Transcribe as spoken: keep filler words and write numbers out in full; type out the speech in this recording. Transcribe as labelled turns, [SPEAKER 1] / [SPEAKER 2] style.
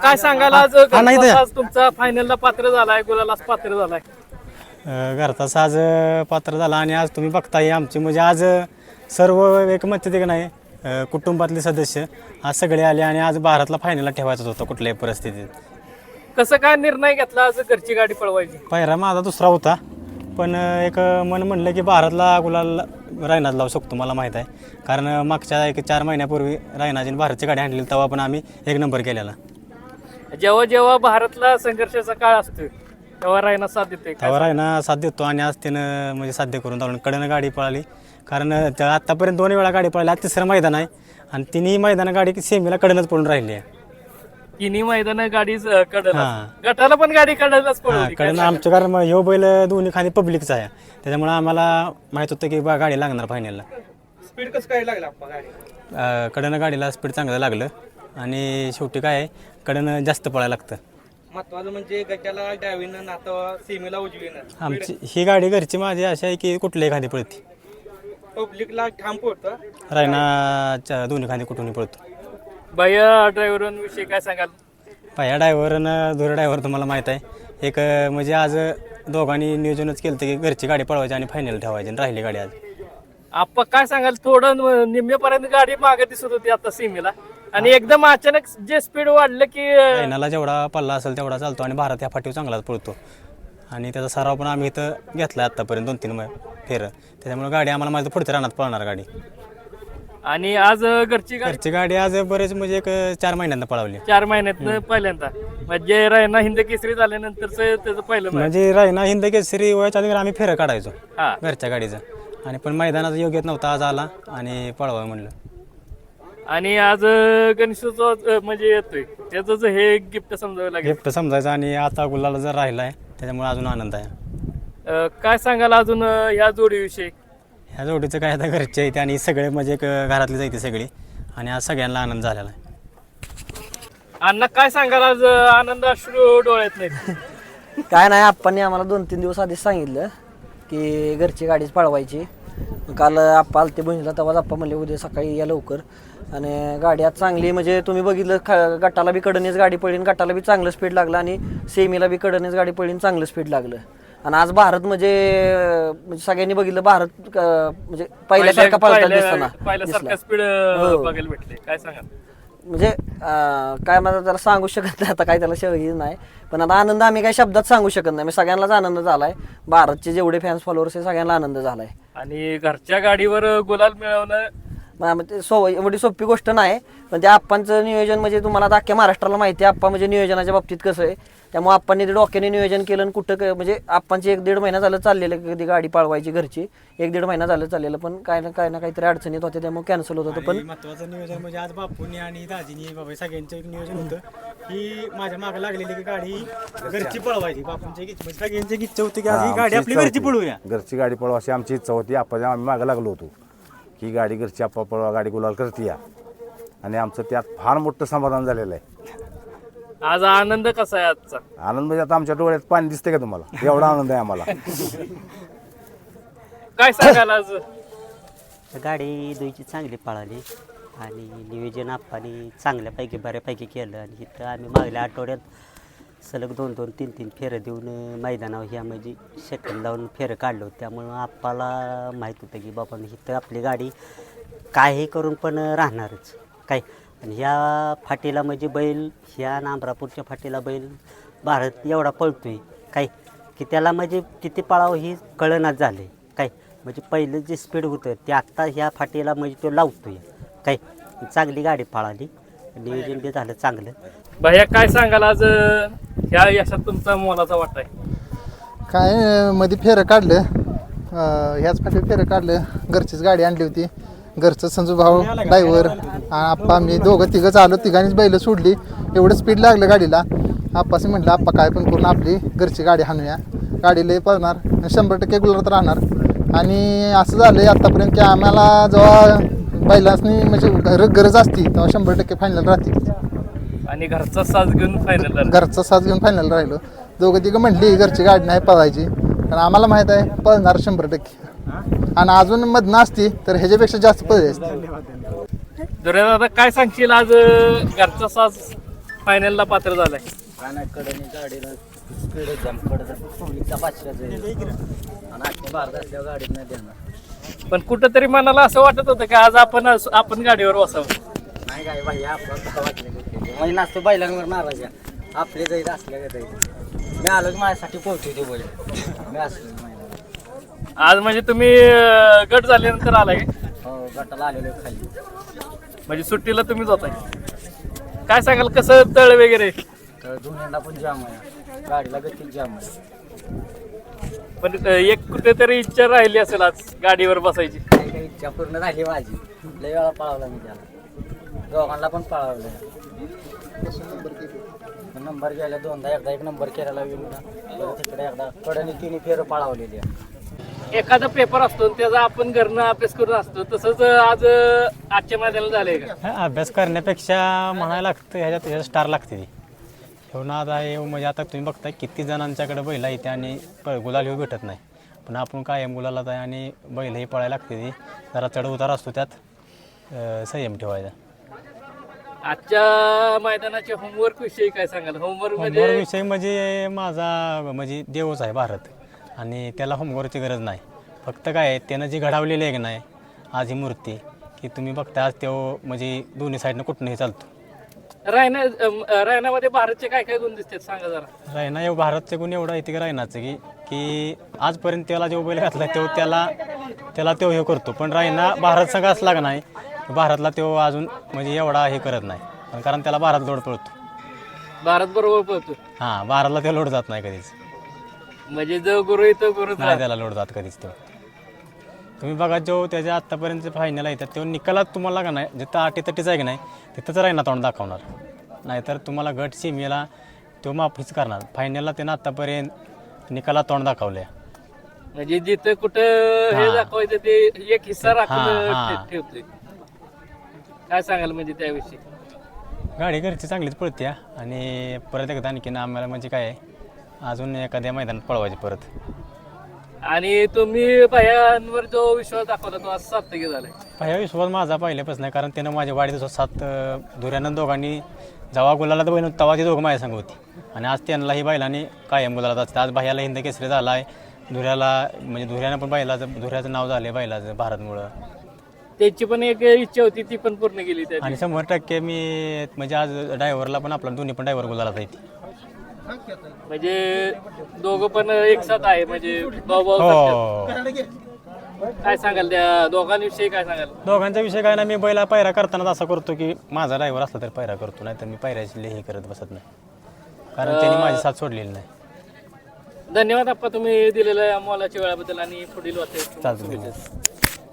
[SPEAKER 1] काय सांगाल आज
[SPEAKER 2] हा, नाही
[SPEAKER 1] घरचा
[SPEAKER 2] तर-
[SPEAKER 1] साज तुमचा फायनलला पात्र झालाय, गुलालाच पात्र झालाय.
[SPEAKER 2] अ, घरचा साज अ, पात्र झाला आणि आज तुम्ही बघताय आमची म्हणजे आज अ, सर्व एकमत ते नाही अ, कुटुंबातले सदस्य आज सगळे आले आणि आज भारतला फायनलला ठेवायचाच होता कुठल्याही परिस्थितीत.
[SPEAKER 1] कसं काय निर्णय घेतला आज घरची गाडी पळवायची?
[SPEAKER 2] पहिला माझा दुसरा होता पण अ, एक अ, मन म्हणलं की भारतला गुलाल रायनाज लावू शकतो मला माहीत आहे. कारण अ, मागच्या एक चार महिन्यापूर्वी रायनाजीने भारतची गाडी आणलेली तेव्हा पण आम्ही एक नंबर केलेला.
[SPEAKER 1] जेव्हा जेव्हा भारतला संघर्षाचा काळ असतो तेव्हा रायना साथ देते.
[SPEAKER 2] तेव्हा रायना साथ देतो आणि आज त्यानं म्हणजे साध्य करून दावलं. कडनं गाडी पळाली कारण अ, त्या आत्तापर्यंत दोन वेळा गाडी पळाली. आज तिसरं मैदान आहे आणि तिन्ही मैदानं गाडी सेमीला कडनंच पळून राहिली आहे.
[SPEAKER 1] तिन्ही मैदान गाडी कडला,
[SPEAKER 2] हां.
[SPEAKER 1] गटाला पण गाडी कडलाच
[SPEAKER 2] हां
[SPEAKER 1] पळवली.
[SPEAKER 2] कडनं आमच्या कारण मग ह्यो बैल दोन्ही खाली पब्लिकचा आहे त्याच्यामुळे आम्हाला माहीत होतं की बा गाडी लागणार फायनलला.
[SPEAKER 1] स्पीड कसं काय लागला गाडी?
[SPEAKER 2] अ, कडनं गाडीला स्पीड चांगलं लागलं आणि शेवटी काय आहे कडनं जास्त पळायला लागतं.
[SPEAKER 1] महत्वाचं म्हणजे गटाला डावीनं नातं सीमेला उजवीनं
[SPEAKER 2] आमची ही गाडी घरची माझी अशी आहे की कुठल्याही खांदी पळते.
[SPEAKER 1] पब्लिकला ठाम पडतं.
[SPEAKER 2] रायनाच्या दोन्ही खांदी कुठूनही पळतो.
[SPEAKER 1] भैया ड्रायव्हर विषयी काय सांगाल?
[SPEAKER 2] पहिल्या ड्रायव्हरनं धुरा ड्रायव्हर तुम्हाला माहीत आहे एक अ, म्हणजे आज दोघांनी नियोजनच केलं की घरची गाडी पळवायची आणि फायनल ठेवायची आणि राहिली गाडी आज.
[SPEAKER 1] आपण काय सांगाल? थोडं निम्मेपर्यंत गाडी मागे दिसत होती आता सीमेला आणि एकदम अचानक जे स्पीड वाढलं की
[SPEAKER 2] रायनाला जेवढा पल्ला असेल तेवढा चालतो आणि भारत या फाटीवर चांगलाच पळतो आणि त्याचा सराव पण आम्ही इथं घेतला आहे आत्तापर्यंत दोन तीन फेरं. त्याच्यामुळे गाडी आम्हाला माझं पुढच्या रानात पळणार गाडी.
[SPEAKER 1] आणि आज घरची गाडी
[SPEAKER 2] घरची गाडी आज बरेच म्हणजे एक चार महिन्यांना पळवली.
[SPEAKER 1] चार महिन्यात पहिल्यांदा म्हणजे रायना हिंद केसरी झाल्यानंतरच त्याचं पहिलं match.
[SPEAKER 2] म्हणजे रायना हिंद केसरी वयाच्या आधी आम्ही फेरं काढायचो
[SPEAKER 1] हा.
[SPEAKER 2] घरच्या गाडीचं आणि पण मैदानाचा योग्यच नव्हता आज आला आणि पळवा म्हणलं.
[SPEAKER 1] आणि आज गणेशोत्सव म्हणजे येतोय त्याच हे गिफ्ट समजावं लागेल.
[SPEAKER 2] गिफ्ट समजायचं आणि आता गुलाला जर राहिला आहे त्याच्यामुळे अजून आनंद आहे.
[SPEAKER 1] अं, काय सांगाल अजून अं, ह्या जोडीविषयी?
[SPEAKER 2] ह्या जोडीचं काय आता घरचे आहे आणि सगळे म्हणजे एक घरातली जायते सगळी आणि आज सगळ्यांना आनंद झालेला आहे.
[SPEAKER 1] अण्णा काय सांगाल आज अं, आनंद अश्रू डोळ्यात नाही?
[SPEAKER 3] काय नाही आप्पांनी आम्हाला दोन तीन दिवस आधीच सांगितलं की घरची गाडीच पळवायची. काल आप्पा आलते बहिणीला तेव्हाच आप्पा म्हणले उद्या सकाळी या लवकर आणि गाडी आज चांगली म्हणजे तुम्ही बघितलं ख गटाला बी कडनेच गाडी पडली, गटाला बी चांगलं स्पीड लागलं आणि सेमीला बी कडनेच गाडी पडली, चांगलं स्पीड लागलं. आणि आज भारत म्हणजे म्हणजे सगळ्यांनी बघितलं भारत अं, म्हणजे पहिल्यासारखा पळताना दिसताना
[SPEAKER 1] पहिल्यासारखा स्पीड
[SPEAKER 3] हो.
[SPEAKER 1] बघायला भेटले. काय सांगाल?
[SPEAKER 3] म्हणजे अं, काय मला त्याला सांगू शकत नाही आता काय त्याला शैली नाही पण आता आनंद आम्ही काही शब्दात सांगू शकत नाही. सगळ्यांनाच आनंद झालाय. भारतचे जेवढे फॅन्स फॉलोअर्स आहे सगळ्यांना आनंद झालाय.
[SPEAKER 1] आणि घरच्या गाडीवर गुलाल मिळवणं
[SPEAKER 3] मग आम्ही ते सो एवढी सोपी गोष्ट नाही पण त्या आप्पांचं नियोजन म्हणजे तुम्हाला आता अख्ख्या महाराष्ट्राला माहिती आहे आप्पा म्हणजे नियोजनाच्या बाबतीत कसं आहे. त्यामुळे आप्पांनी ते डोक्याने नियोजन केलं आणि कुठं क- म्हणजे आप्पांची एक दीड महिना झालं चाललेलं कधी गाडी पाळवायची घरची एक दीड महिना झालं चाललेलं पण काय ना काय ना काहीतरी अडचणीत होते त्यामुळे कॅन्सल होत होतं. पण
[SPEAKER 2] महत्वाचं नियोजन म्हणजे आज बापूंनी आणि दाजीनी बाबा सगळ्यांचं एक नियोजन होतं की माझ्या मागे लागलेली की गाडी घरची पळवायची. बापूंची एक इच्छा सगळ्यांची एक इच्छा होती की आज ही गाडी आपली घरची पळवूया.
[SPEAKER 4] घरची गाडी पळवा अशी आमची इच्छा होती. आपण आम्ही मागं लागलो होतो की गाडी घरची आप्पा पळवा गाडी गुलाल करते या आणि आमचं त्यात फार मोठं समाधान झालेलं आहे.
[SPEAKER 1] आज आनंद कसा आहे आजचा?
[SPEAKER 4] आनंद म्हणजे आता आमच्या डोळ्यात पाणी दिसते का तुम्हाला? एवढा आनंद आहे आम्हाला.
[SPEAKER 1] काय सांगाल आज?
[SPEAKER 5] गाडी दुईची चांगली पळाली आणि नियोजन आप्पानी चांगल्यापैकी बऱ्यापैकी केलं आणि इथं आम्ही मागल्या आठवड्यात सलग दोन दोन तीन तीन फेरं देऊन मैदानावर ह्या म्हणजे सेकंड लावून फेरं काढलं होतं. त्यामुळं आप्पाला माहीत होतं की बाबा इथं आपली गाडी काही करून पण राहणारच काय. आणि ह्या फाटीला म्हणजे बैल ह्या नांबरापूरच्या फाटीला बैल भारत एवढा पळतोय काय की त्याला म्हणजे किती पळावं ही कळनाच झालं आहे काय. म्हणजे पहिलं जे स्पीड होतं ते आत्ता ह्या फाटीला म्हणजे तो लावतोय काय. चांगली गाडी पळाली नियोजन बी झालं चांगलं.
[SPEAKER 1] भैया काय सांगाल आज अं, ह्या यशात तुमचा मोलाचा वाटा आहे?
[SPEAKER 6] काय मध्ये फेरं काढलं अं, ह्याच फाटी फेरं काढलं. घरचीच गाडी आणली होती. घरचं संजू भाऊ ड्रायव्हर आप्पा मी दोघं तिघंच आलो. तिघांनीच बैल सोडली. एवढं स्पीड लागलं गाडीला. आप्पाशी म्हटलं आप्पा काय पण करून आपली घरची गाडी हाणूया. गाडी लई पळणार शंभर टक्के गुलाबात राहणार. आणि असं झालं आहे आत्तापर्यंत की आम्हाला जेव्हा बैलासनी म्हणजे घर गरज असती तेव्हा शंभर टक्के फायनल राहते.
[SPEAKER 1] आणि घरचा साज घेऊन फायनल
[SPEAKER 6] घरचा साथ घेऊन फायनल राहिलो. दोघं तिघं म्हटली घरची गाडी नाही पळायची पण आम्हाला माहीत आहे पळणार शंभर टक्के आणि अजून मधनं असती तर ह्याच्यापेक्षा जास्त पळली असते.
[SPEAKER 1] दादा काय सांगशील आज अं, घरचा साज फायनलला पात्र झालाय.
[SPEAKER 3] काय नाही कडनी गाडीला स्पीड एकदम कडं सोनीचा पाचशेच आणि आठशे बारा असल्यावर गाडीत नाही देणार.
[SPEAKER 1] पण कुठंतरी मनाला असं वाटत होतं की आज आपण आपण गाडीवर बसावं.
[SPEAKER 3] नाही काय भाई आपलं वाटलं म्हणजे नाचतो बैलांवर नाराज आपले जाईल असल्या का जाईल मी आलो की माझ्यासाठी पोहोचू ते बैल मी असलो महिला
[SPEAKER 1] आज म्हणजे तुम्ही अं, गट झाल्यानंतर आलाय का?
[SPEAKER 3] हो गटाला आलेलो खाली.
[SPEAKER 1] म्हणजे सुट्टीला तुम्हीच होताय. काय सांगाल कसं तळ वगैरे?
[SPEAKER 3] तर दोन्हींना पण जाम आहे गाडीला गती जाम आहे.
[SPEAKER 1] पण अं, एक कुठेतरी इच्छा राहिली असेल आज गाडीवर बसायची.
[SPEAKER 3] काही काही इच्छा पूर्ण झाली माझी. लय वेळा पळावला मी त्याला दोघांना पण पळावलं. नंबर गेला दोनदा एकदा एक नंबर केलेला विरुद्ध परत तिकडे एकदा कडनी तिन्ही फेरं पळावलेली आहे.
[SPEAKER 1] एखादा पेपर असतो आणि त्याचा आपण घरनं अभ्यास करून असतो तसंच आज अं, आजच्या मैदानाला झालंय का?
[SPEAKER 2] हा, अभ्यास करण्यापेक्षा म्हणायला लागतं ह्याच्यात ह्याच्यात स्टार लागते ती ठेवून आता हे म्हणजे आता तुम्ही बघताय किती जणांच्याकडे बैल येते आणि प गुलाल येऊ भेटत नाही. पण आपण कायम गुलाला आहे आणि बैलही पळायला लागते ती जरा चढ उतार असतो त्यात अं, संयम ठेवायचा.
[SPEAKER 1] आजच्या मैदानाच्या होमवर्क विषयी काय सांगाल? होमवर्क
[SPEAKER 2] होमवर्क
[SPEAKER 1] म्हणजे
[SPEAKER 2] विषय म्हणजे माझा म्हणजे देवच आहे भारत आणि त्याला होमवर्कची गरज नाही. फक्त काय आहे त्यानं जी घडवलेली आहे की नाही आज ही मूर्ती की तुम्ही बघता आज तो म्हणजे दोन्ही साईडनं कुठनंही चालतो.
[SPEAKER 1] रायना अं, रायनामध्ये भारतचे काय काय गुण दिसतात सांगा जरा.
[SPEAKER 2] रायना एव भारतचे गुण एवढा येते की रायनाचं की की आजपर्यंत त्याला जो बैल घातला तो त्याला त्याला तो हे करतो. पण रायना भारत संघ असला का नाही भारतला तो अजून म्हणजे एवढा हे करत नाही कारण त्याला भारत लोड पळतो.
[SPEAKER 1] भारत बरोबर पळतो
[SPEAKER 2] हां भारतला ते लोड जात नाही कधीच.
[SPEAKER 1] म्हणजे जो गुरु आहे तो गुरुच
[SPEAKER 2] नाही त्याला लोड जात कधीच तो. तुम्ही बघा जो त्याच्या आत्तापर्यंत फायनल येतात तेव्हा निकालात तुम्हाला का नाही जिथं आटी तटीच आहे की नाही तिथंच रायना तोंड दाखवणार. नाहीतर तुम्हाला गट सीमेला तो माफीच करणार. फायनलला त्यानं आत्तापर्यंत निकालात तोंड दाखवलं आहे.
[SPEAKER 1] म्हणजे जिथं कुठं हे
[SPEAKER 2] हा.
[SPEAKER 1] दाखवायचं ते एक हिस्सा राखून
[SPEAKER 2] हा, हा.
[SPEAKER 1] ठे- ठेवतोय. काय सांगाल म्हणजे त्याविषयी?
[SPEAKER 2] गाडी घरची चांगलीच पळते आणि परत एकदा आणखीन आम्हाला म्हणजे काय आहे अजून एखाद्या मैदानात पळवायची परत.
[SPEAKER 1] आणि तुम्ही भयांवर जो विश्वास दाखवला तो आज सार्थकी झालाय.
[SPEAKER 2] पहिला विश्वास माझा पहिल्यापासून नाही कारण त्यानं माझ्या वाढदिवसात सात अं, धुऱ्यानं दोघांनी जेव्हा गुलाला तर बहिण तेव्हा ती दोघं माझ्या संग होती आणि आज त्यांनाही बैलांनी कायम गुलाला असते. आज भैयाला हिंद केसरी झाला आहे धुऱ्याला म्हणजे धुऱ्यानं पण बैलाचं धुऱ्याचं नाव झालं आहे बैलाचं भारतमुळं.
[SPEAKER 1] त्यांची पण एक इच्छा होती ती पण पूर्ण केली त्या
[SPEAKER 2] आणि शंभर टक्के मी म्हणजे आज ड्रायव्हरला पण आपला दोन्ही पण ड्रायव्हर गुलाला येते.
[SPEAKER 1] म्हणजे दोघं पण एक साथ आहे म्हणजे भाऊ भाऊ
[SPEAKER 2] हो
[SPEAKER 1] सारखे. काय सांगाल त्या दोघांविषयी काय सांगाल?
[SPEAKER 2] दोघांचा विषय काय ना मी बैला पायरा करताना असा करतो की माझा ड्रायव्हर असला तर पायरा करतो नाही तर मी पायऱ्याची हे करत बसत नाही कारण त्यांनी माझी साथ सोडलेली नाही.
[SPEAKER 1] धन्यवाद आप्पा तुम्ही दिलेल्या मोलाच्या वेळाबद्दल आणि पुढील वाटते
[SPEAKER 2] चालतं.